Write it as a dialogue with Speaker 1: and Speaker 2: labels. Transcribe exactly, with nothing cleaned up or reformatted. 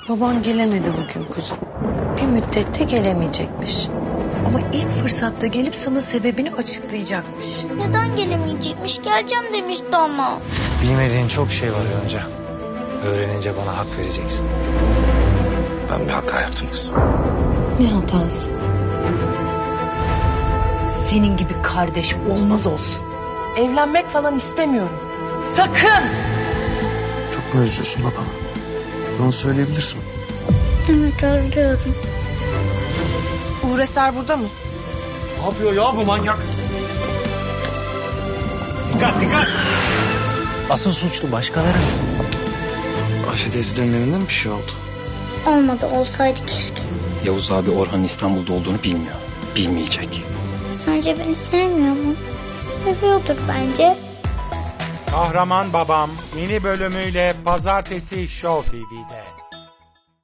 Speaker 1: Baban gelemedi bugün kuzum. Bir müddette gelemeyecekmiş. Ama ilk fırsatta gelip sana sebebini açıklayacakmış.
Speaker 2: Neden gelemeyecekmiş? Geleceğim demişti ama.
Speaker 3: Bilmediğin çok şey var Yonca. Öğrenince bana hak vereceksin.
Speaker 4: Ben bir hata yaptım kızım.
Speaker 1: Ne hatası? Senin gibi kardeş olmaz olsun.
Speaker 5: Evlenmek falan istemiyorum. Sakın!
Speaker 6: Çok mu özlüyorsun babamı? Bana söyleyebilirsin.
Speaker 2: Evet, özlüyorum.
Speaker 5: Uğur Eser burada mı?
Speaker 6: Ne yapıyor ya bu manyak? Dikkat dikkat!
Speaker 3: Asıl suçlu başkaları.
Speaker 6: Ayşe teyzelerin evinde mi bir şey oldu?
Speaker 2: Olmadı, olsaydı keşke.
Speaker 4: Yavuz abi Orhan'ın İstanbul'da olduğunu bilmiyor. Bilmeyecek.
Speaker 2: Sence beni sevmiyor mu? Seviyordur bence.
Speaker 7: Kahraman Babam yeni bölümüyle Pazartesi Show T V'de.